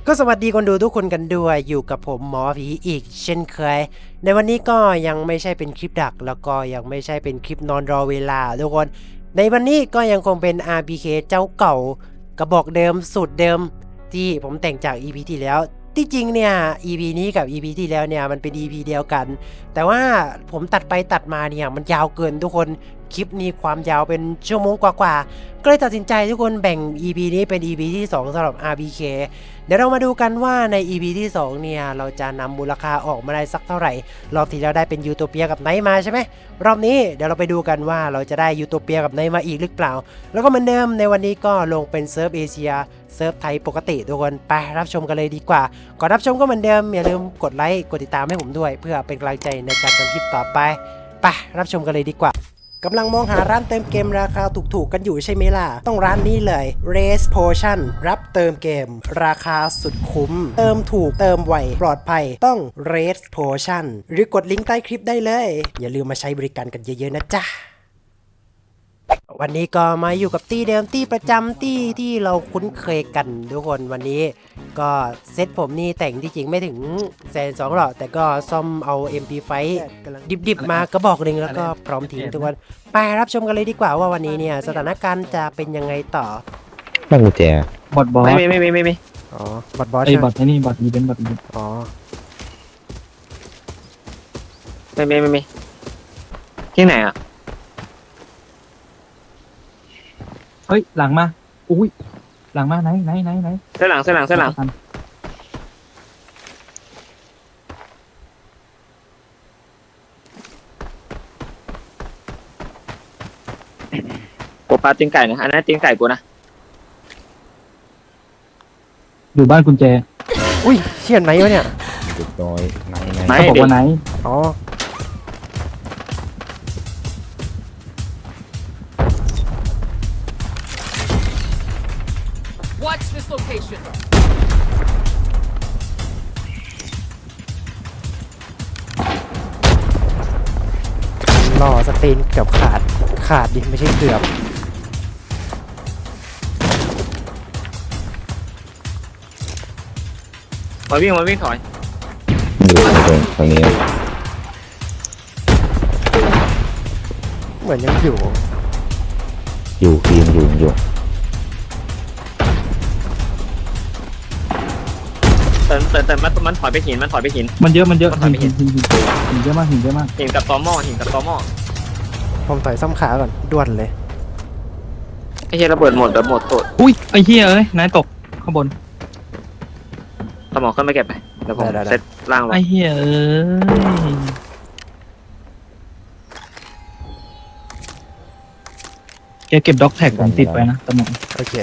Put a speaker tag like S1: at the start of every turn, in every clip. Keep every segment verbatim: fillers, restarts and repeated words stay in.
S1: ก็สวัสดีคนดูทุกคนกันด้วยอยู่กับผมหมอผีอีกเช่นเคยในวันนี้ก็ยังไม่ใช่เป็นคลิปดักแล้วก็ยังไม่ใช่เป็นคลิปนอนรอเวลาทุกคนในวันนี้ก็ยังคงเป็น อาร์ พี เค เจ้าเก่ากระบอกเดิมสูตรเดิมที่ผมแต่งจาก อี พี ที่แล้วที่จริงเนี่ย อี พี นี้กับ อี พี ที่แล้วเนี่ยมันเป็น อี พี เดียวกันแต่ว่าผมตัดไปตัดมาเนี่ยมันยาวเกินทุกคนคลิปนี้ความยาวเป็นชั่วโมงกว่าๆก็เลยตัดสินใจทุกคนแบ่ง อี พี นี้เป็น อี พี ที่สองสำหรับ อาร์ พี เค เดี๋ยวเรามาดูกันว่าใน อี พี ที่สองเนี่ยเราจะนำมูลค่าออกมาได้สักเท่าไหร่รอบที่เราได้เป็นยูโทเปียกับไนท์มาใช่ไหมรอบนี้เดี๋ยวเราไปดูกันว่าเราจะได้ยูโทเปียกับไนท์มาอีกหรือเปล่าแล้วก็เหมือนเดิมในวันนี้ก็ลงเป็นเซิร์ฟเอเชียเซิร์ฟไทยปกติทุกคนไปรับชมกันเลยดีกว่าก่อนรับชมก็เหมือนเดิมอย่าลืมกดไลค์กดติดตามให้ผมด้วยเพื่อเป็นกำลังใจในการทำคลิปต่อไปไปรับชมกันเลยดีกว่ากำลังมองหาร้านเติมเกมราคาถูกๆกันอยู่ใช่ไหมล่ะต้องร้านนี้เลย Race Potion รับเติมเกมราคาสุดคุ้มเติมถูกเติมไวปลอดภัยต้อง Race Potion หรือกดลิงก์ใต้คลิปได้เลยอย่าลืมมาใช้บริการกันเยอะๆนะจ๊ะวันนี้ก็มาอยู่กับตี้เดิมตี้ประจำตี้ที่เราคุ้นเคยกันทุกคนวันนี้ก็เซตผมนี่แต่งที่จริงไม่ถึงแสนสองหรอกแต่ก็ซ่อมเอา เอ็ม พี ไฟว์ ดิบๆมากระบอกหนึ่งแล้วก็พร้อมทิ้งทุกคนไปรับชมกันเลยดีกว่าว่าวันนี้เนี่ยสถานการณ์จะเป็นยังไงต่อ
S2: บ้านกุญแจ
S3: บอทบอส
S4: ไม่ไม่ไม่ไม่ไม่
S1: อ๋อบอทบอส
S3: ไอ้
S1: ใช่ไห
S3: บ
S1: ม
S3: อทไอ้นี่บอทอีเวนต์บอทอีเวนต์
S1: อ๋อ
S4: ไม่ไม่ไม่ไม่ที่ไหนอ่ะ
S3: เฮ้ยหลังมาอุ้ยหลังมาไหนไหนไหนไหน
S4: เส้นหลังเส้นหลังเส้นหลังกูปลาตีนไก่นะอันนั้นตีนไก่กูนะ
S3: อยู่บ้านกุญแจ
S1: อุ้ยเชี่ยไหนวะเนี่ย
S2: จุดน้อยไหนไหน
S4: ไม่
S3: เขาบอกว่าไหน
S1: อ๋อ
S5: Watch this location.
S1: ล่อสตีนเกือบขาดขาดดิไม่ใช่เกือบ
S4: มาวิ่งมาวิ่งถอย
S2: อยู่ตรงตรงนี้
S1: เหมือนยังอยู่
S2: อยู่ทีมอยู่อยู่
S4: เติมเติมเติมมันมันถอยไปหินมันถอยไปหิน
S3: มันเยอะมันเยอะ
S4: มัน
S3: หิน
S4: ทำไม่
S3: หิ
S4: เห็
S3: น
S4: น
S3: หินหินหินเยอะมากหินเยอะมาก
S4: หินกับตอหม้อหินกับตอหม้อ
S1: ผมต่อยซ่อมขาก่อนด่วนเลย
S4: ไอ้เหี้ยระเบิดหมดระเบิดหมดโตด
S3: อุ้ยไอ้เหี้ยเอ้ยนายตกข้างบน
S4: สมองขึ้นมาเก็บไปเดี๋ยวผมเซตล่างไว้
S3: ไอ้เหี้ยเอ้ยแกเก็บด็อกแท็กผมติดไปนะตะหมอง
S1: โอเค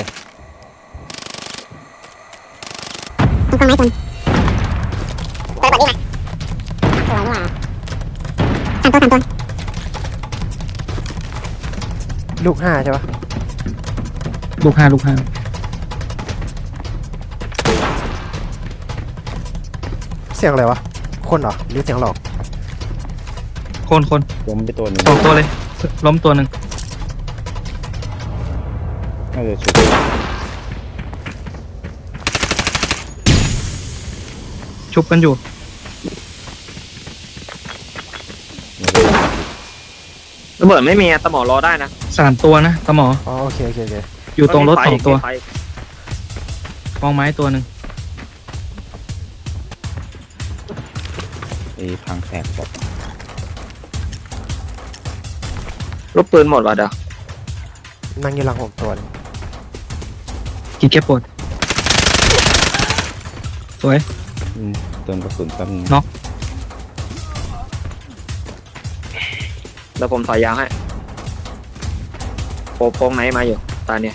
S6: ต้นไม้คนเปิดบอดนี่มาสวยนี่หว่าสามตัวสามตัว
S1: ลูกห้าใช่ปะ
S3: ลูกห้าลูกห้า
S1: เสียงอะไรวะคนเหรอหรือเสียงหลอก
S3: คนคน
S2: ล้มไปตัวหนึง
S3: สองตัวเลยล้มตัวหนึ่ง
S2: น่าจะชุด
S3: ชุบกันอยู่
S4: ระเบิดไม่มีอะสมองรอได้นะ
S3: สามตัวนะตะหมอ
S1: อ๋อโอเคโอเคโอเค
S3: อยู่ตรงรถสองตัว
S4: ไฟ
S3: กองไม้ตัวหนึ่ง
S2: ไอ้พังแตกบอก
S4: ลูกปืนหมดว่ะเดี๋ยว
S1: นั่งอยู่หลังผมตัวนึง
S3: กี่แก้ปวดสวย
S2: อืมเติมกระสุนแป๊บนึง
S3: เนาะ
S4: เดี๋ยวผมถอยยาวให้โปโป้งไหนมาอยู่ตาเนี่ย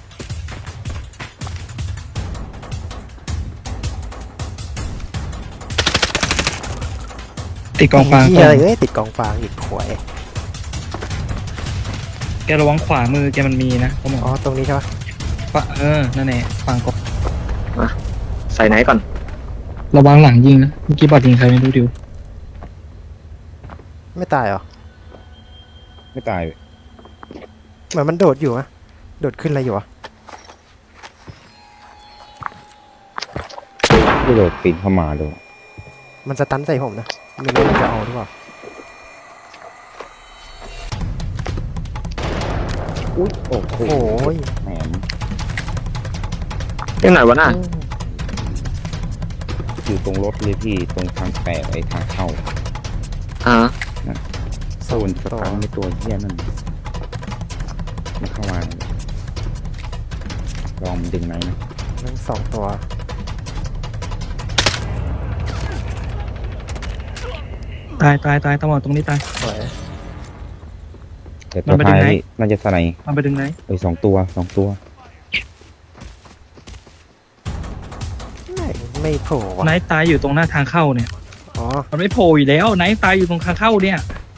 S3: ติดกองฟาง
S1: เหี้ยอะไรเอ้ยติดกองฟางอีกขวย
S3: แกระวังขวามือแกมันมีนะตะหมอ
S1: อ๋อตรงนี้ใช่ปะ
S3: ปะเออ นั่นแหละฝั่งกบ
S4: ใส่ไหนก่อน
S3: ระวังหลังยิงนะ เมื่อกี้บอดยิงใครไม่รู้ดิว
S1: ไม่ตายเหรอ
S2: ไม่ตาย
S1: เหมือนมันโดดอยู่อะโดดขึ้นอะไรอยู่อะ
S2: กระโดดปีนเข้ามาดู
S1: มันสตันใส่ผมนะไม่รู้มันจะเอาหรือเปล่า
S2: อุ้ยโอ้โห
S1: โอ้ย
S2: แหม
S4: ยังไหนวะน่ะ
S2: อยู่ตรงรถเลยพี่ตรงทางแตกไอ้ทางเข้า
S4: อ่า
S2: โซนสตันในตัวเหี้ยนั่นมันเข้ามาลองมันดึงไหนนะ
S1: นั่งสองตัว
S3: ตายตายตายตำรวจตรงนี้ตาย
S1: สวย
S2: แต่
S3: มั
S2: ตัวน
S3: ไปดึ
S2: ท้าง ย
S3: ไหน
S2: นี่น่าจะสไน
S3: มันไปดึงไหน
S2: เอ้ยสองตัวสองตัว
S1: ไม่ไม่โผล่ว่ะ
S3: ไนท์ตายอยู่ตรงหน้าทางเข้าเนี่ย
S1: อ๋อ
S3: มันไม่โผล่อยู่แล้วไนท์ตายอยู่ตรงทางเข้าเนี่ย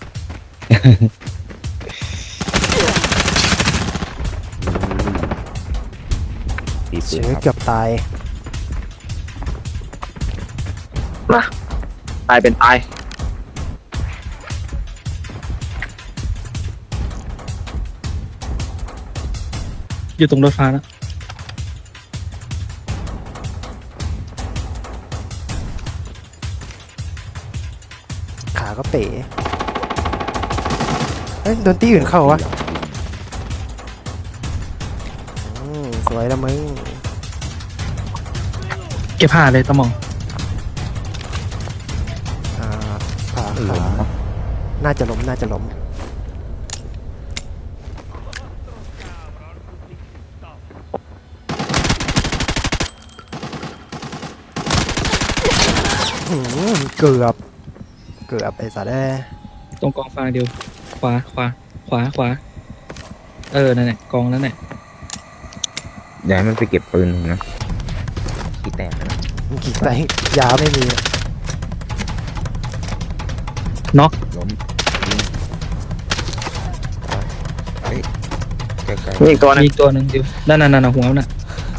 S2: ตีปื
S1: เชื้
S2: น
S1: อ
S2: ครับ
S1: เกือบตาย
S4: มาตายเป็นตาย
S3: อยู่ตรงรถไฟฟ้าแล้ว
S1: ขาก็เป๋เฮ้ยโดนตีอื่นเข้าวะอืมสวยละมึง
S3: เก็บผ้าเลยตะหมอง
S1: อ่าขา
S2: เออ
S1: ขา
S2: เนาะ
S1: น่าจะล้มน่าจะล้มหืมเกือบเกือบไอ้สัตว์เอ้ย
S3: ตรงกองฟางเดียวขวาขวาขวาขวาเออนั่นแหละกองนั้นแหละ
S2: อย่าให้มันไปเก็บปืนผมนะขี้แตกนะ
S1: มันกี่ไตยาไม่มี
S3: น็อก
S2: ล้มยิงเฮ้ยไกล
S4: นี่อีกตัวหนึง
S3: มีอีกตัวหนึ่งเดียวนั่นนั่นนั่นหัวน่ะ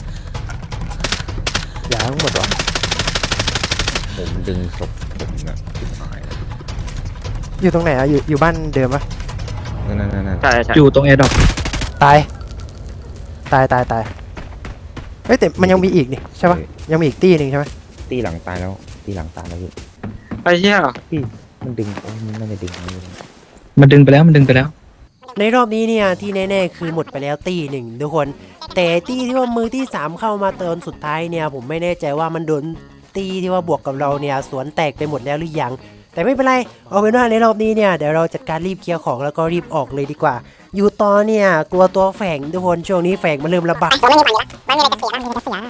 S1: ยาทั้งหมดวะ
S2: ๆผมดึงศพผมนะชิบหายแล้ว
S1: อยู่ตรงไหนอะอยู่อยู่บ้านเดิมปะ
S2: นั่นนั่นนั่น
S4: ใช่ใช่
S3: อยู่ตรงแอร์ดรอป
S1: ตายตายตายตายเฮ้ยแต่มันยังมีอีกนี่ใช่ปะยังมีอีกตีหนึ่งใช่ไหม
S2: ตีหลังตายแล้วตีหลังตายแล้วพี่
S4: ไอ้เหี้ย
S2: มันดึงโอ้ยมันน่าจะดึงเอาอยู่
S3: มันดึงไปแล้วมันดึงไปแล้ว
S1: ในรอบนี้เนี่ยที่แน่ๆคือหมดไปแล้วตีหนึ่งทุกคน แต่ตีที่ว่ามือที่สามเข้ามาเติมสุดท้ายเนี่ยผมไม่แน่ใจว่ามันโดนตีที่ว่าบวกกับเราเนี่ยสวนแตกไปหมดแล้วหรือยังแต่ไม่เป็นไรเอาเป็นว่าในรอบนี้เนี่ยเดี๋ยวเราจัดการรีบเคลียร์ของแล้วก็รีบออกเลยดีกว่า อยู่ต่อเนี่ยกลัวตัวแฝงทุกคนช่วงนี้แฝงมันเริ่มระบาด
S6: ผมไม่มีปัญญาไม่มีอะไรจะเสียไม่มีอะไรจะเสีย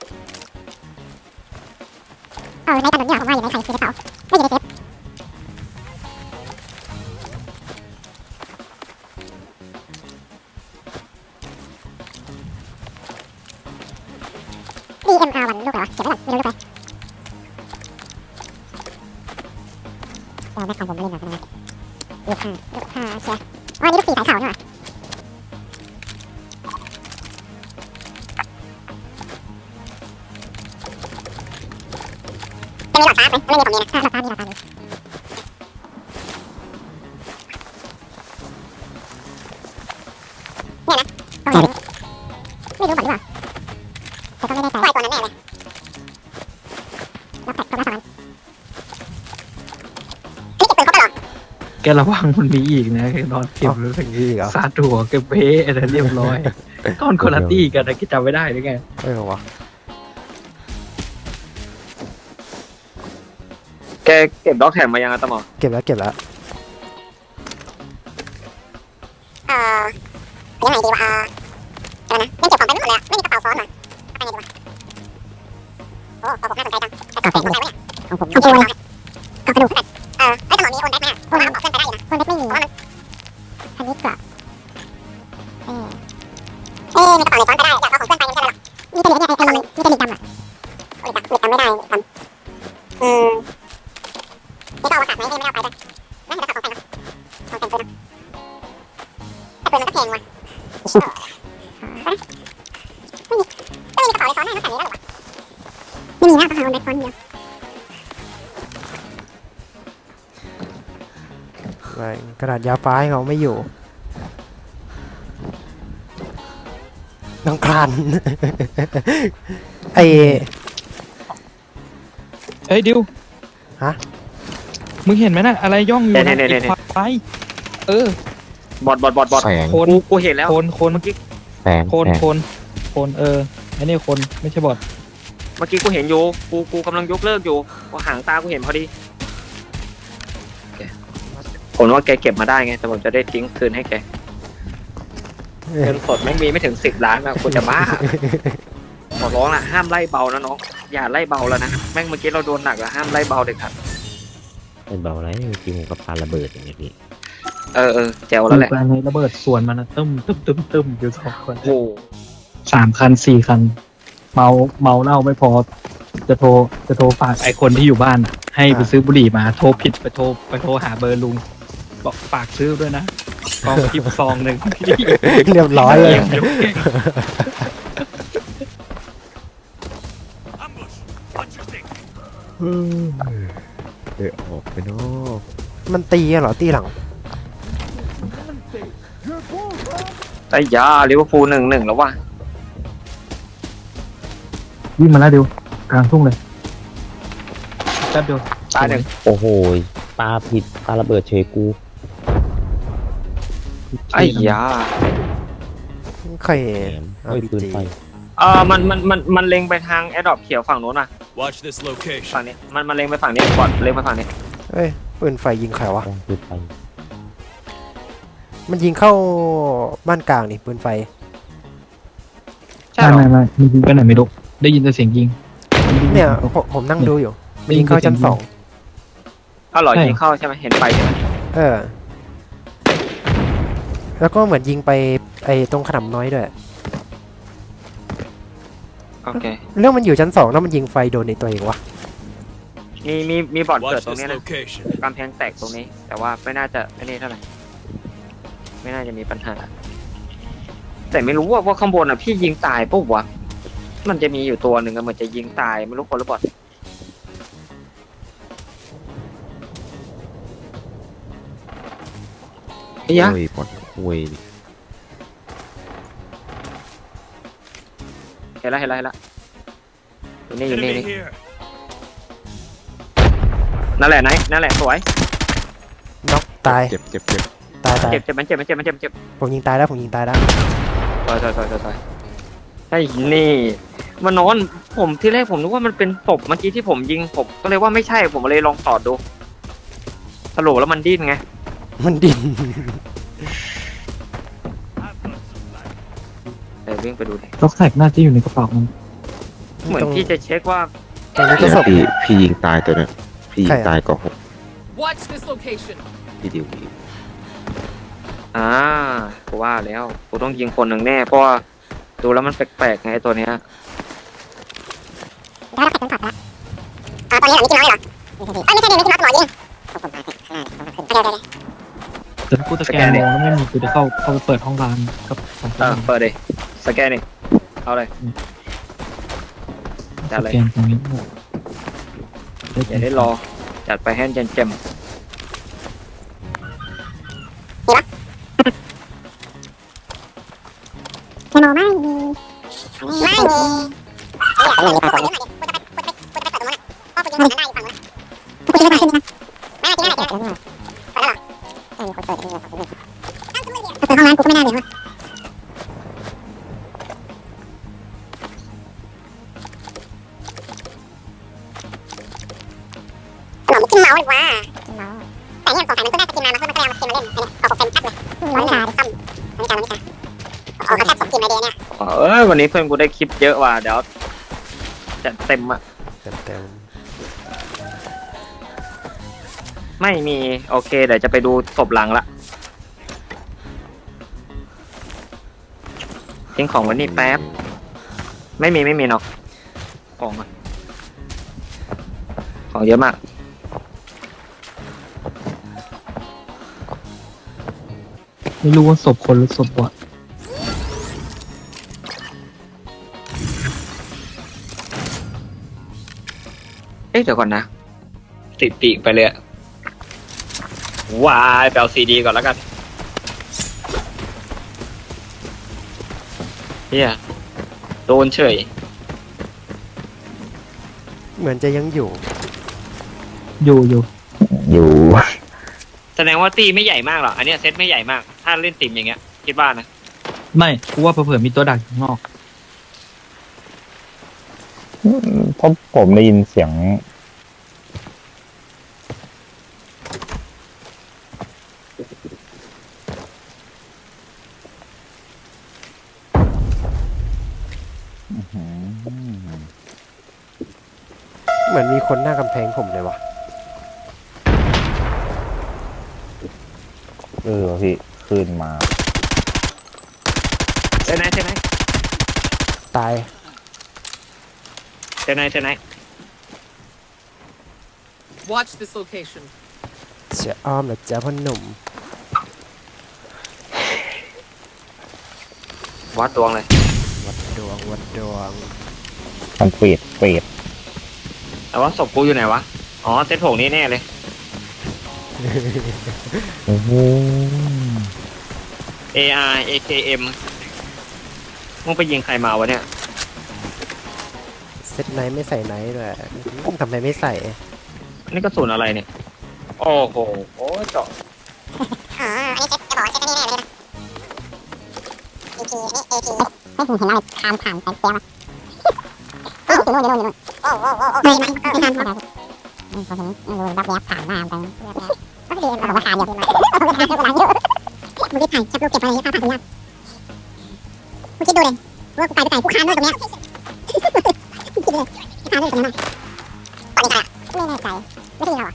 S6: เออในถนนเนี่ยผมว่าอยู่ในใครคือเขาไม่อยู่ในเซฟดีเอ็มอาร์วันลูกเหรอเก็บไว้ก่อนไม่รู้ลูกไปเออแม็กของผมไม่เล่นหรอกนะลูกห้าลูกห้าเชียร์อ๋อนี่ลูกสี่สายขาวนี่หว่าจะมีหลอดฟ้าไหมไม่มีผมมีนะหลอดฟ้ามีหลอดฟ้ามีเนี่ยนะตรงไหนไม่รู้หมดหรือเปล่าแต่ก็ไม่แน่ใจปล่อยตัวนั้นแน่เลยล็อกแท็กตัวละสองอันเฮ้ยเก็บปืนครบแล้วเหรอ
S3: แกระวังมันมีอีกนะแกนอนเก็บเลย
S1: อย่างนี้เหรอ
S3: ซาดหัวเก็บเบ้อะไรเรียบร้อยก้อนคนละตี้กันนะคิดจำไม่ได้หรือไง
S1: เออวะ
S4: แกเก็บด็อกแท็กมายังอะตะหมอ
S1: เก็บแล้วเก็บแล้ว
S6: เอ่อยังไงดีวะเออเดี๋ยวนะยังเก็บของไปไม่หมดเลยอะไม่มีกระเป๋าซ้อนมาเอาไปไงดีวะโอ้ของผมน่าสนใจจังแต่กระเป๋าอะไรวะเนี่ยของผมของผมเลยกระดูกเออไอ้ตลอดมีโอนแบ็กไหมโอนแบ็กบอกเพื่อนไปได้อยู่นะโอนแบ็กไม่มีเพราะว่ามันอันนี้กระเออเอ๊ะมีกระเป๋าไหนซ้อนไปได้อยากเอาของเพื่อนไปไม่ใช่หรอกมีแต่เหรียญเนี่ยไอ้ไอ้มีแต่เหรียญดำอะโอ้ยจำจำไม่ได้จำอืมนี่ก็เอามาตัดไหมนี่ไม่ได้เอาไปด้วยน่าจะตัดของแต่งเนาะของแต่งปืนเนาะแต่ปืนมันก็แพงว่ะไม่มีไม่มีกระเป๋าเลยซ้อนได้นอกจากนี้แล้วหรอวะไม่มีนะต้องหาโอนแบ็กซ้อนเดียว
S1: ไม่กระดาษยาฟ้าให้เขาไม่อยู่น้องคลาน ไอ
S3: เฮ้ยดิว
S1: ฮะ
S3: มึงเห็นไหมน่ะอะไรย่องอยู่
S4: เนี่
S3: นะ
S4: ยเนี่ยเนี่ย
S3: ไอ้ควายเออบ
S4: อดบอดบอดบอด
S2: แสง
S3: โคน
S4: กูกูเห็นแล้ว
S3: โคนโคน
S4: เมื่อกี้
S2: แสง
S3: โคน
S2: แสง
S3: โคนโคนเออไอ้นี่คนไม่ใช่บอด
S4: เมื่อกี้กูเห็นอยู่กูกูกำลังยกเลิกอยู่กูหางตากูเห็นพอดีโอเคผมว่าแกเก็บมาได้ไงแต่ผมจะได้ทิ้งคืนให้แกเงินสดไม่มีไม่ถึงสิบล้านอะกูจะบ้าขอร้องละห้ามไล่เบานะน้องอย่าไล่เบาแล้วนะแม่งเมื่อกี้เราโดนหนักอะห้ามไล่เบาเด็ดขาด
S2: เป็นเบาไรเมื่อกี้ผมกับปาระเบิดอย่างเงี้ยพี่
S4: เออเออแจ๋วแล้วแหละ
S3: แปลงระเบิดสวนมันนะตึ้มตึ้มตึ้มตึ้มอยู่สองคน
S4: โอ้
S3: สามคันสี่คัน เมาเมาเหล้าไม่พอ จะโทรจะโทรฝากไอ้คนที่อยู่บ้านอะให้ไปซื้อบุหรี่มาโทรผิดไปโทรไปโทรหาเบอร์ลุงบอกฝากซื้อด้วยนะกองทิปซองหนึ่ง
S1: เรียบร้อยเลย
S2: เดี๋ยวออกไปเนาะ
S1: มันตีกันเหรอตีหลัง
S4: ไอ้ยาลิเวอร์พูลหนึ่งหนึ่งแล้วว่ะ
S3: วิ่งมาแล้วดิวกลางทุ่งเลยแป๊บเดียว
S4: ตายหนึ่ง
S2: โอ้โหปาผิดปาระเบิดเฉยกู
S4: ไอ้ยา
S1: ใคร
S2: แหมเฮ้ยปืนไฟ
S4: เออมันมันมันมันเล็งไปทางแอดดอปเขียวฝั่งโน้นอ่ะ
S5: Watch this location.
S4: ฝั่งนี้มันมันเล็งไปฝั่งนี้ก่อนเล็งไปฝั่งนี้
S1: เอ้ยปืนไฟยิงใครวะ
S2: ต้องปืนไฟ
S1: มันยิงเข้าบ้านกลางนี่ปืนไฟ
S4: ใช่เหรอ
S3: ไม่ไม่ไม่ยิงไปไหนไม่รู้ได้ยินแต่เสียงยิง
S1: เนี่ยผมผมนั่งดูอยู่มันยิงเข้าชั้นสอง
S4: เอาเหรอ
S3: ใช่
S4: ยิงเข้าใช่ไหมเห็นไฟใช่ไหม
S1: เออ แล้วก็เหมือนยิงไปไอ้ตรงขนำน้อยด้วย
S4: โอเค
S1: เรื่องมันอยู่ชั้นสองแล้วมันยิงไฟโดนในตัวเองวะ
S4: มีมีมีบอดเกิด
S5: Watch
S4: ตรง
S5: this
S4: นี้นะ
S5: location.
S4: กำแพงแตกตรงนี้ แต่ว่าไม่น่าจะไม่นี่เท่าไหร่ไม่น่าจะมีปัญหา แต่ไม่รู้ว่าว่าข้างบนอ่ะพี่ยิงตายปุ๊บวะมันจะมีอยู่ตัวหนึ่งอะเหมือนจะยิงตายไม่รู้คนหรือบอดไอ้ยะ
S2: โอ้ยปอดโอ้ย
S4: เห็นแล้วเห็นแล้วเห็นแล้วอยู่นี่อยู่นี่
S5: Enemy
S4: นี่
S5: here.
S4: นั่นแหละไหนนั่นแหละสวย
S1: น็อกตาย
S2: เจ็บเจ็บเจ็บ
S1: ตายตาย
S4: เจ็บเจ็บมันเจ็บมันเจ็บมันเจ็บมันเจ็บ
S1: ผมยิงตายแล้วผมยิงตายแล้ว
S4: ถอยถอยถอยถอยถอยไอ้นี่มันนอนผมที่แรกผมนึกว่ามันเป็นศพเมื่อกี้ที่ผมยิงผมก็เลยว่าไม่ใช่ผมเลยลองตอดดูสรุปแล้วมันดิ้นไง
S1: มันดิน
S4: เดี๋ยววิ่งไปดูดิ
S3: ล็อกแท็กน่าจะอยู่ในกระเป๋ามัน
S4: เหมือน
S1: ตรง
S4: พี่จะเช็คว่า
S1: ตรงนี้ก็ศพ
S2: พี่พี่ยิงตายตัวเนี้ยพี่ยิ
S1: ใครง อะ
S2: ตายก่อนหก
S5: Watch this location.
S2: พี่ดิวพี่
S4: อ่ากูว่าแล้วกูต้องยิงคนหนึ่งแน่เพราะว่าดูแล้วมันแปลกๆไงไอ้ตัวเนี้ย
S6: แล้วเราแตกเป็นถอดแล้วอ่าตอนนี้เหรอมิกกี้น้อยเหรอเอ้ยไม่ใช่ดิมิกกี้น้อยหมอยิงผมผมตายไปข้างหน้าโอเคโอเคโอเค
S3: แต่ถ้ากูสแกนมองแล้วไม่มีกูจะเข้าเข้าไปเปิดห้องร้านกับสองค
S4: เออน เปิดเลยสแกนนี่เอาเลย จัด
S3: ส
S4: เลย
S3: แกนตรงนี้
S4: อย่าได้รอจัดไปให้เจมเจม
S6: เทโนไม่มีไม่มีไม่มีปรากฏกูจะไปกูจะไปกูจะไปเปิดตรงนั้นพ่อกูยิงฝั่งนั้นได้อยู่ฝั่งนั้นกูจะไปขึ้นนะไม่ได้กินได้กินได้เปิดแล้วเหรอไม่มีคนเปิดที่นี่เปิดห้องน้ำกูก็ไม่ได้เลยขนมกินเมาดีกว่าแต่เนี่ยสงสัยมันต้องได้สกินมามันก็มันก็เอามาสกินมาเล่นเนี่ยขอผมเป็นชัดเลยร้อยชาดิซ้ำร้อยชาร้อยชาออกมาแค่สองกินในเดย์เนี่ย
S4: เออวันนี้เพื่อนกูได้คลิปเยอะว่ะเดี๋ยวจัดเต็มอ่ะ
S1: เต็ม
S4: ไม่มีโอเคเดี๋ยวจะไปดูศพหลังละทิ้งของไวันนี้แป๊บไม่มีไม่มีเนาะของอะของเยอะมาก
S3: ไม่รู้ว่าศพคนหรือศพบอด
S4: เอ๊ะเดี๋ยวก่อนนะติดปีกไปเลยอะวายไปเอาซีดีก่อนแล้วกันเฮียโดนเฉย
S1: เหมือนจะยังอยู่
S3: อยู่อยู่
S2: อยู่
S4: แสดงว่าตีไม่ใหญ่มากหรอกอันเนี้ยเซตไม่ใหญ่มาก ถ้าเล่นติ่มอย่างเงี้ยคิดว่านะ
S3: ไม่กูว่าเผื่อๆมีตัวดักอยู่ข้างนอก
S2: เพราะผมได้ยินเสียงอื้อหือ
S1: เหมือนมีคนหน้ากำแพงผมเลยวะ
S2: เออพี่ขึ้นมา
S4: เซตไหนเซตไหน
S1: ตาย
S4: เซตไหนเซตไหน
S5: Watch this location.
S1: เสียอ้อมเหรอจ้าพ่อหนุ่ม
S4: วัดดวงเลย
S1: วัดดวงวัดดวง
S2: มันเปรตเปรต
S4: แต่ว่าศพกูอยู่ไหนวะ อ๋อเซตผงนี้แน่เลย
S2: โอ้โห
S4: เอ อาร์ เอ เค เอ็ม มึงไปยิงใครมาวะเนี่ย
S1: เซตไนท์ไม่ใส่ไนท์ด้วยทำไมไม่ใส่
S4: นี่กระสุนอะไรเนี่ย โอ้โหโอ้เจาะ
S6: อ๋ออันนี้เซ็ตจะบอกว่าเซ็ตไม่แน่เลยนะ เอ พี นี่ เอ พี ไม่ผมเห็นอะไรคามผ่านไปเสียมาโอ้อยู่นู่นอยู่นู่นอยู่นู่นโอ้โอ้โอ้โอ้ไม่ไม่ไม่ทันครับอืมพอถึงไม่รู้รับแยบผ่านหน้าไปก็คือเราบอกว่าคามอยู่ผมก็ทานเท่าไหร่เยอะมึงรีบถ่ายจับรูปเก็บไว้ภาพผ่านสัญญาณมึงคิดดูเลยว่ากูไปไปไหนกูคานด้วยตรงเนี้ยคิดดูเลยคานด้วยตรงนั้นตอนนี้ใครอ่ะไม่แน่ใจไม่ใช่เราอ่ะ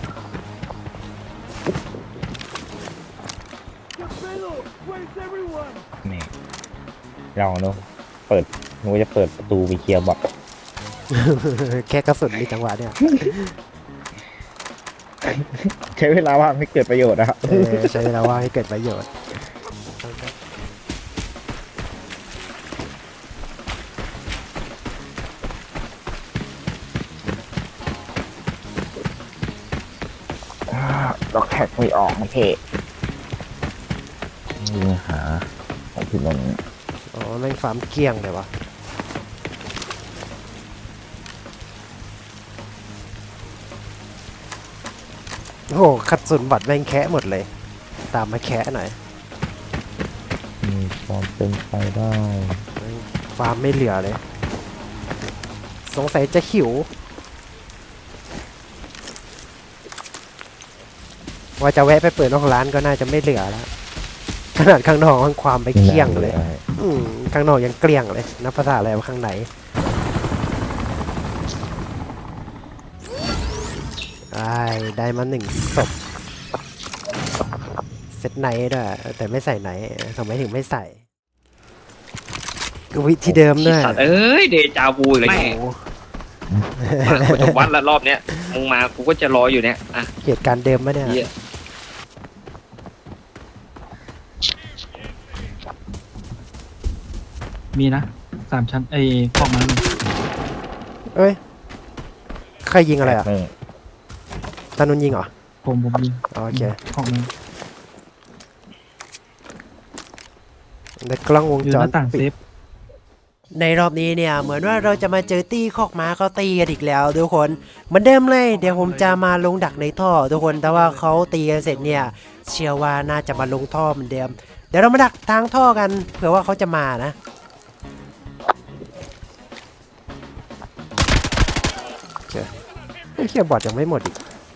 S2: นี่เราเนอะเปิดหนูจะเปิดประตูไปเคลียร์บอท
S1: แค่กระสุนมีจังหวะเนี่ย
S2: ใช้เวลาว่างไม่เกิดประโยชน์นะครับ
S1: เออใช้เวลาว่างให้เกิดประโยชน์
S2: ล็อกแท็กไม่ออกโอเคยิงหาของพี่นนท์
S1: อ๋อแม่งฟาร์มเกลี้ยงเลยวะโอ้โหขัดสุนบัตรแม่งแคะหมดเลย ตามมาแคะหน่อย
S2: มีความเป็นไปได้
S1: ฟาร์มไม่เหลือเลย สงสัยจะหิว ว่าจะแวะไปเปิดนอกร้านก็น่าจะไม่เหลือแล้ว ขนาดข้างนอกมันความไปเกลี้ยงเลย อืมข้างนอกยังเกลี้ยงเลยนับภาษาอะไรว่าข้างในได้ได้มาหนึ่งศพเซตไนท์ด้วยแต่ไม่ใส่ไนท์ทำไมถึงไม่ใส่ก็วิธีเดิมด้วย
S4: สัตว์เอ้ย เดจาวูอีกแล้ว
S1: โอ้
S4: แม่
S1: โห
S4: มากูจะวัดละรอบเนี้ย มึงมากูก็จะรออยู่เนี่ย อ่ะ
S1: เหตุการณ์เดิมปะเนี่ย
S4: เหี้ย
S3: มีนะสามชั้นไอ้กล่องนั้น
S1: เอ้ยใครยิงอะไรอ่ะ
S2: หนึ่ง
S1: ตานุนยิงเหรอ
S3: ผมผมมี
S1: อ๋อโอเค
S3: กล่องนึง
S1: ในกล้องวง
S3: อยู่
S1: จ
S3: ห
S1: ร
S3: น้าต่าง
S1: ปิ
S3: เซ
S1: ด
S3: ฟ
S1: ในรอบนี้เนี่ยเหมือนว่าเราจะมาเจอตี้คอกม้าเขาตีกันอีกแล้วทุกคนเหมือนเดิมเลยเดี๋ยวผมจะมาลงดักในท่อทุกคนแต่ว่าเขาตีกันเสร็จเนี่ยเชื่อว่าน่าจะมาลงท่อเหมือนเดิมเดี๋ยวเรามาดักทางท่อกันเผื่อว่าเขาจะมานะเจ้ไอ้เคียบอดยังไม่หมดอีก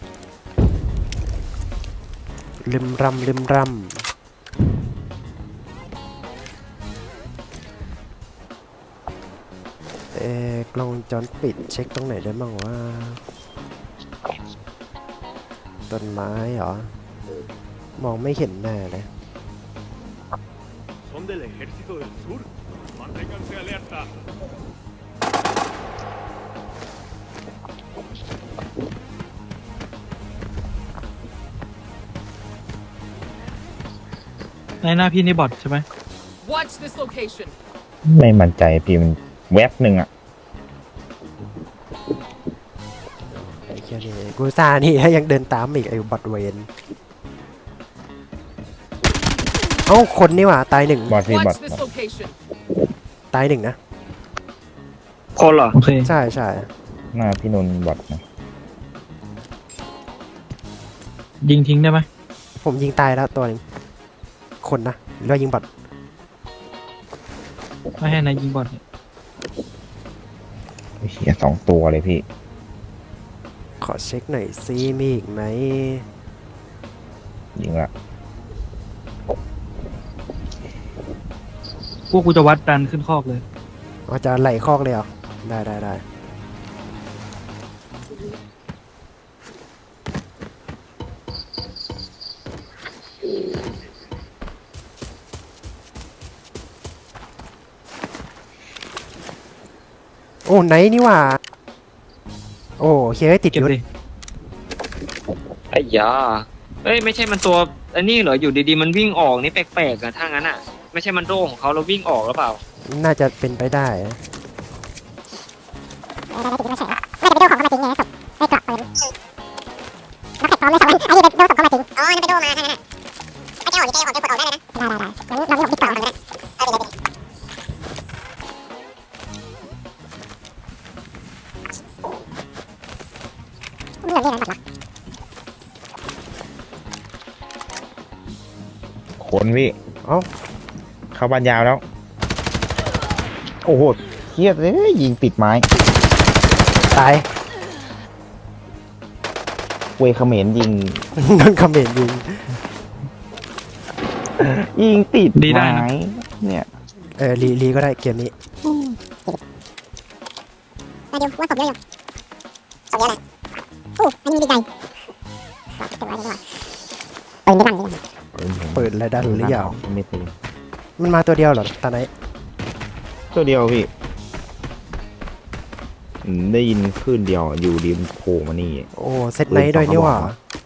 S1: ลืมรำลืมรำเอ๊ะกล้องวงจรปิดเช็คตรงไหนได้บ้างว่าต้นไม้เหรอ มองไม่เห็นแน่เลย
S5: Son del ejército del sur. Manténganse alerta.
S3: ในหน้าพี่นี่บอทใช่ไหม
S5: Watch this location.
S2: ไม่มั่นใจพี่มันแวบหนึ่งอ่ะ
S1: ไอ้เคียนี่กูซานี่ยังเดินตามอีกไอ้บัตรเวนเอ้าคนนี่หว่าตายหนึ่ง
S2: บอทพี่บอท
S5: Watch this location.
S1: ตายหนึ่งนะ
S4: คนเหรอ
S3: โอเค
S1: ใช่ใช่
S2: หน้าพี่นนท์บอทนะ
S3: ยิงทิ้งได้ไหม
S1: ผมยิงตายแล้วตัวหนึงคนนะหรือว่ายิงบอท
S3: ไม่ให้นายยิงบอลเนี่ย
S2: เฮียสองตัวเลยพี่
S1: ขอเช็คหน่อยซิมีอีกไหม
S2: ยิงละ
S3: พวกกูจะวัดดันขึ้นคอกเลย
S1: อ๋อจะไหลคอกเลยเหรอได้ได้ได้โอ้ไหนนี่หว่าโอ้เฮ้ยติด
S3: เก็บ
S1: ยุทธ
S3: ดิ
S4: ไอ้ยาเอ้ยไม่ใช่มันตัวอันนี้เหรออยู่ดีๆมันวิ่งออกนี่แปลกๆอะถ้างั้นอะไม่ใช่มันโร่ของเขาแล้ววิ่งออกหรือเปล่า
S1: น่าจะเป็นไปได้
S6: น่าจะไม่ใช่น่าจะไปโดของเข้ามาจริงไงศพไอ้กลับปืนแล้วเก็บพร้อมเลยสองอันไอ้นี่ไปโดศพเข้ามาจริงอ๋อนี่ไปโดมาท่านน่ะไอ้เจ้าออกดิเจ้าออกจะกดออกได้เลยนะได้ได้ได้งั้นเราไม่ออกที่ต่อกันก็ได้เอาไปเลยไม่เหลือเรื่องนั้นหรอก
S2: ขนพี่
S1: เอ้า
S2: เข้าบ้านยาวแล้ว โอ้โหเครียดเลยยิงติดไม้
S1: ตาย
S2: เวเขมรยิง
S1: โดนคอมเมนต์ยิง
S2: ยิงติด
S3: ดีได้
S2: ไม้
S3: นะ
S2: เนี่ย
S1: เออรีรีก็ได้เกมนี้
S6: มาดูว่าศพเยอะอยู่ศพเยอะเลยโอ้อันนี้มีใจเก็บไว้ดีกว่าปืนไม่ดังเลย
S1: เปิดอะไรได้หรือยัง
S2: ไม่ตี
S1: มันมาตัวเดียวเหรอตอนไหน
S2: ตัวเดียวพี่อืมได้ยินคลื่นเดียวอยู่ริมโผล่มานี่
S1: โอ้เซตไนท์ด้วยนี่หว่า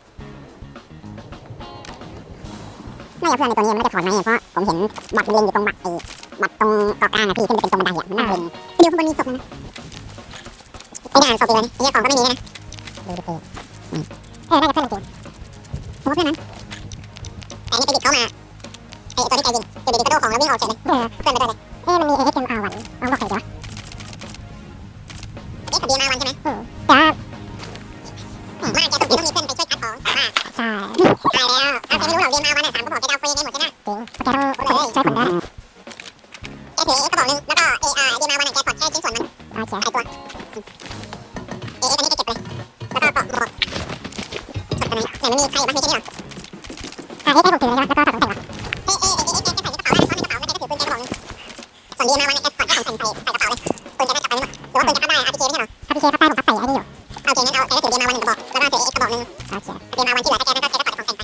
S6: น่าจะเพื่อนในตัวนี้ยังไม่ได้ถอนมาเพราะผมเห็นบัตรเรียนอยู่ตรงบัตรไอ้บัตรตรงเกาะกลางอะพี่ขึ้นไปเป็นตรงบันไดอะมันน่าเรียนเดี๋ยวมันมีศพนะไอ้ด่านศพอีกแล้วนี่ไอ้ของก็ไม่มีนะดูดิเออน่าจะเพื่อนจริงผมว่าเพื่อนนั้นแต่นี่ไปดิบเขามาไอ้ตัวที่ใจยิงอยู่ดีๆกระโดดของแล้ววิ่งออกเฉยเลยเออเพื่อนไปด้วยเลยเอ๊ะมันมีเอเอสเอ็มอาร์วันลองบอกใครดีวะเอ๊ะกับบีมาวันใช่ไหมอืมจ้ามาแกต้องมีเพื่อนไปช่วยคัดของมาใช่ตายแล้วเอาแกไม่รู้หรอกบีมาวันอ่ะสามก็บอกแกเอาฟรีกันหมดใช่ไหมจริงแกต้องเลยช่วยผมได้แกถือเอกระบอกนึงแล้วก็เออาบีมาวันอ่ะแกถอดแค่ชิ้นส่วนมันโอเคไอตัวเอเออันนี้แกเก็บเลยแล้วก็ปอกหมดไหนมันมีใครบ้างมีแค่นี้หรออ่ะเอให้ผมถือเลยแล้วก็ถอดของใส่หรอเอเอเอเอแกใส่ในกระเป๋าแล้วในกระเป๋าแล้วแกก็ถือปืนแกกระบอกนึงส่วนบีมาวันอ่ะแกถอดแค่ของใส่ใส่ใส่กระเป๋าเลยปืนแกก็จับไปหมดหรือว่าปืนแกพับได้อาร์พีเคไม่ใช่หรออาร์พีเคพับได้ผมพับใส่ไอ้นี่อยู่โอเคงั้นเอาแกก็ถือบีมาวันหนึ่งกระบอกแล้วก็ถือเอกระบอกนึงโอเคบีมาวันที่เหลือถ้าแกไม่ก็แกก็ถอดของใส่ไป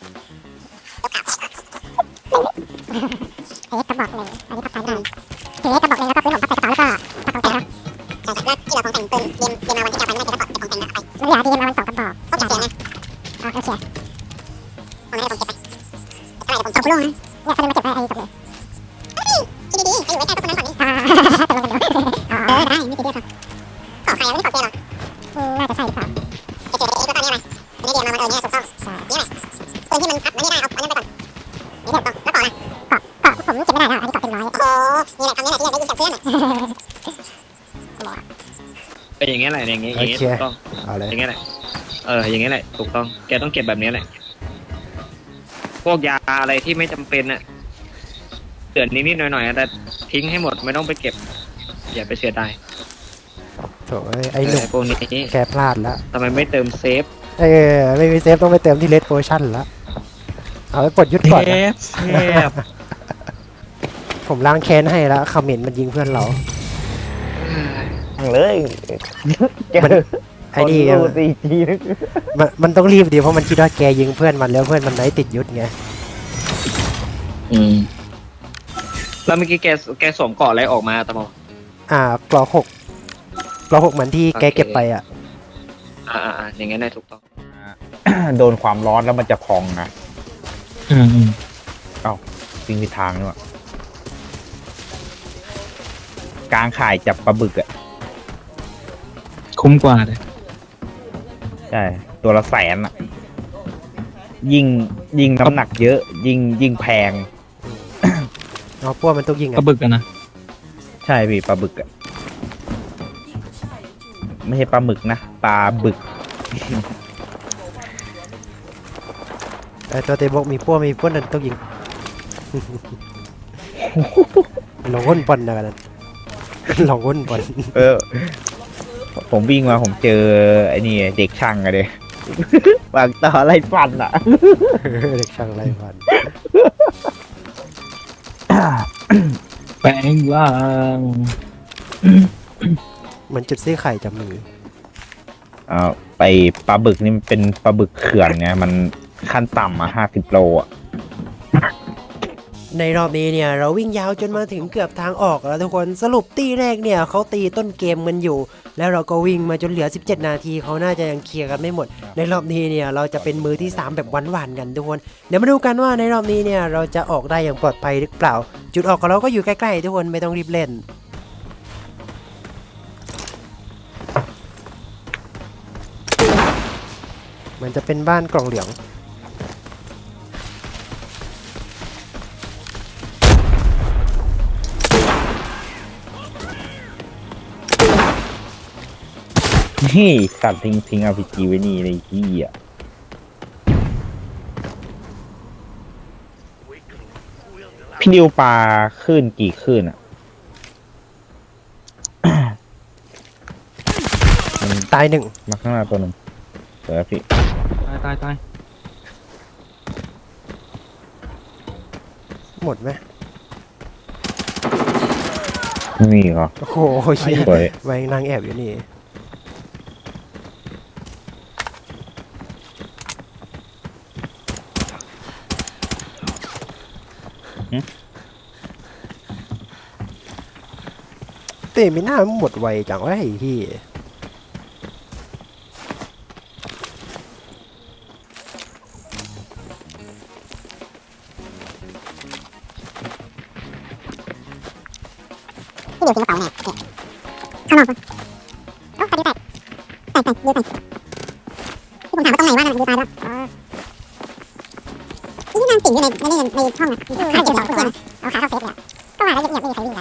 S6: เอ๊ะกระบอกหนึ่งอันนี้พับซ้ายได้ถือเอ๊ะกระบอกหนึ่งแล้วก็ปืนผมพับใส่กระเป๋าแล้วก็พับของแกแล้วใช่ใช่แล้วที่เราของแต่งปืนเดียมเดียมมาวันที่จะไปไม่ได้จะถอดของแต่งไปมันเหลือเดียมมาวันสองกระบอกโอเคนะอ่าโอเคของนั้นผมเก็บไปเท่าไหร่ผมตกลงนะเนี่ยเขาเลยมาเก็บไว้ไอ้กับเลยคิดดีๆให้อยู่ไว้ใกล้พวกคนนั้นก่อนนี่อ่าตกลงกันเดี๋ยวเออได้ไม่ติดเดียวครับขอใครไม่ได้ขอเจหรออืมน่าจะใช่หรือเปล่าจะเจอเอ๊ะก็ตอนนี้อะไรไม่ได้เดียมมาวันเออเนี่ยถูกต้องใช่นี่แหละปืนที่มันพับมันไม่ได้เอาอันนั้นไปก่อนนี่ถูกต้องแล้วต่อนะเกาะเกาะผมเก็บไม่ได้แล้วอันนี้เกาะเต็มร้อยโอ้นี่แหละคำนี้แหละที่อยากได้ยินจากเพื่อนอ่ะ
S4: เป็นอย่างเงี้ยแหละอย่างเงี้ยอย่างเงี้ย
S1: โอเค
S4: ถูกต้อง
S1: เอาเลย
S4: อย่างเงี้ยแหละเอออย่างเงี้ยแหละถูกต้องแกต้องเก็บแบบนี้แหละพวกยาอะไรที่ไม่จำเป็นอะเตือนนิดๆหน่อยๆอะแต่ทิ้งให้หมดไม่ต้องไปเก็บอย่าไปเสียดาย
S1: โถ่ไอ้หนุ่ม
S4: พวกนี้
S1: แกพลาดแล้ว
S4: ทำไมไม่เติมเซฟ
S1: เออไม่มีเซฟต้องไปเติมที่เลดโพชั่นแล้วเอาไปปลดยุทธก่อน
S3: เท
S1: นะ
S3: ปเทป
S1: ผมล้างแค้นให้แล้วคอมเมนต์มันยิงเพื่อนเรา
S2: เลย
S1: มันไอ้นี่
S2: ดูตีจีนึก
S1: มันมันต้องรีบดีเพราะมันคิดว่าแกยิงเพื่อนมันแล้วเพื่อนมันไหนติดยุทธไง
S4: อืมแล้วเมื่อกี้แกแกสวมเกาะอะไรออกมาตะมอ
S1: อ่ากรอหกกรอหกเหมือนที่แกเก็บไปอ่ะ
S4: อ่าอ่าอ่าอย่างงั้นได้ถูกต้อง
S2: โดนความร้อนแล้วมันจะพองนะ
S3: อืมอืม
S2: วิ่งไปทางนี่วะกลางข่ายจับปลาบึกอ่ะ
S3: คุ้มกว่าเลย
S2: ใช่ตัวละแสนอ่ะ ยิงยิงน้ำหนักเยอะ ยิงยิงแพง
S1: เอาพวกมันต้องยิง
S3: ก
S1: อ่ะ
S3: ระบึกอะนะ
S2: ใช่พี่ปลาบึกอ่ะ ไม่ใช่ปลาหมึกนะปลาบึก
S1: ไอ้ตัวเตะบอกมีพวกมีพวกนั้นต้องยิง ลองก้นบอลนะกันนั้น ลองก้นบอล
S2: เออ ผมวิ่งมาผมเจอไอ้นี่เด็กช่างอะเด็ วางต่อไล่ฟันอ่ะ
S1: เด็กช่างไรฟัน
S3: แปลงร่าง
S1: เหมือนจุดซี่ไข่จะมี
S2: เอ่อไปปลาบึกนี่มันเป็นปลาบึกเขื่อนไงมันขั้นต่ำอ่ะห้าสิบโลอ่ะ
S1: ในรอบนี้เนี่ยเราวิ่งยาวจนมาถึงเกือบทางออกแล้วทุกคนสรุปตีแรกเนี่ยเขาตีต้นเกมมันอยู่ แล้วเราก็วิ่งมาจนเหลือสิบเจ็ดนาทีเขาน่าจะยังเคลียร์กันไม่หมด ในรอบนี้เนี่ยเราจะเป็นมือที่สามแบบหวานๆกันทุกคนเดี๋ยวมาดูกันว่าในรอบนี้เนี่ยเราจะออกได้อย่างปลอดภัยหรือเปล่า จุดออกของเราก็อยู่ใกล้ๆทุกคนไม่ต้องรีบเล่น มันจะเป็นบ้านกล่องเหลือง
S2: นี่สัตว์ทิ้งทิ้งอาร์พีจีไว้นี่ในที่อ่ะพี่ดิวปลาขึ้นกี่ขึ้นอ่ะ มัน
S1: ตายหนึ่ง
S2: มาข้างหน้าตัวหนึ่งเดี๋ยวพี่
S3: ตายตายตาย
S1: หมดไหม
S2: ไม่มีเหรอ
S1: โอ้โหเหี้ย
S2: สวย
S1: ไว้นางแอบอยู่นี่ เต้ไม่น่าหมดไวจังวะไอ้ที่
S6: ที่เดียวทิ้งกระเป๋าแน่เนี่ยข้างนอกปะโอ้ใครดูแตกแตกแตกดูแตกที่ผมถามว่าตรงไหนว่าน่ะดูตายแล้วอ๋อนี่นั่งติ่งอยู่ในในในในห้องอ่ะข้าเก็บของเพื่อนเอาขาเข้าเซฟเลยอะก็ว่าแล้วเงียบๆไม่มีใครวิ่งกัน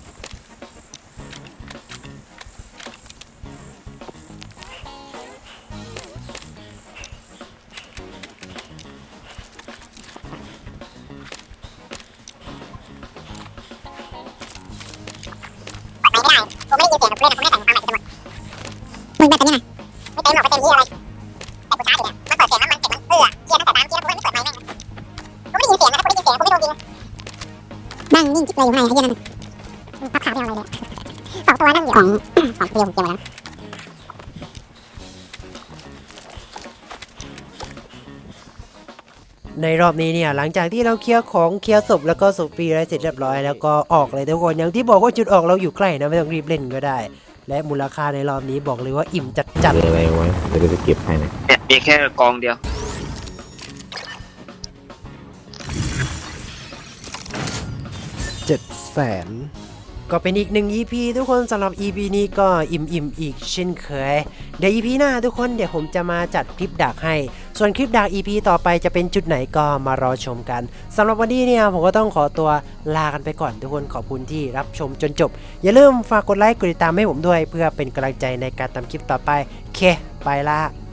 S6: ไม่ได้ผมไม่ได้ยินเสียงผมเล่นผมไม่ได้ใส่หูฟังใหม่จะหมดมึงแบบนี้นะไม่เต็มหรอกไม่เต็มที่อะไรแต่กูช้าอยู่เนี่ยมันเปิดเสียงแล้วมันเสียงมันเอื้อเชียร์ตั้งแต่ตามเชียร์แล้วกูไม่เปิดไมค์แม่งกูไม่ได้ยินเสียงนะถ้ากูได้ยินเสียงกูไม่โดนยิงนั่งนิ่งจิ๊บเลยอยู่ข้างในไอ้เหี้ยนั่นพับขาไม่เอาอะไรเลยสองตัวนั่งอยู่ของของเดียวผมเตรียมไว้แล้ว
S1: ในรอบนี้เนี่ยหลังจากที่เราเคลียร์ของเคลียร์ศพแล้วก็ศพฟรีอะไรเสร็จเรียบร้อยแล้วก็ออกเลยทุกคนอย่างที่บอกว่าจุดออกเราอยู่ใกล้นะไม่ต้องรีบเล่นก็ได้ และมูลค่าในรอบนี้บอกเลยว่าอิ่มจัดๆ
S2: อะไรไว้เดี๋ยวจะเก็บให้นะ
S4: เนี่ยมีแค่กองเดียว
S1: เจ็ดแสนก็เป็นอีกหนึ่ง อี พี ทุกคนสำหรับ อี พี นี้ก็อิ่มๆอีกเช่นเคยเดี๋ยว อี พี หน้าทุกคนเดี๋ยวผมจะมาจัดคลิปดักให้ส่วนคลิปดัก อี พี ต่อไปจะเป็นจุดไหนก็มารอชมกันสำหรับวันนี้เนี่ยผมก็ต้องขอตัวลากันไปก่อนทุกคนขอบคุณที่รับชมจนจบอย่าลืมฝากกดไลค์กดติดตามให้ผมด้วยเพื่อเป็นกำลังใจในการทำคลิปต่อไปโอเคไปละ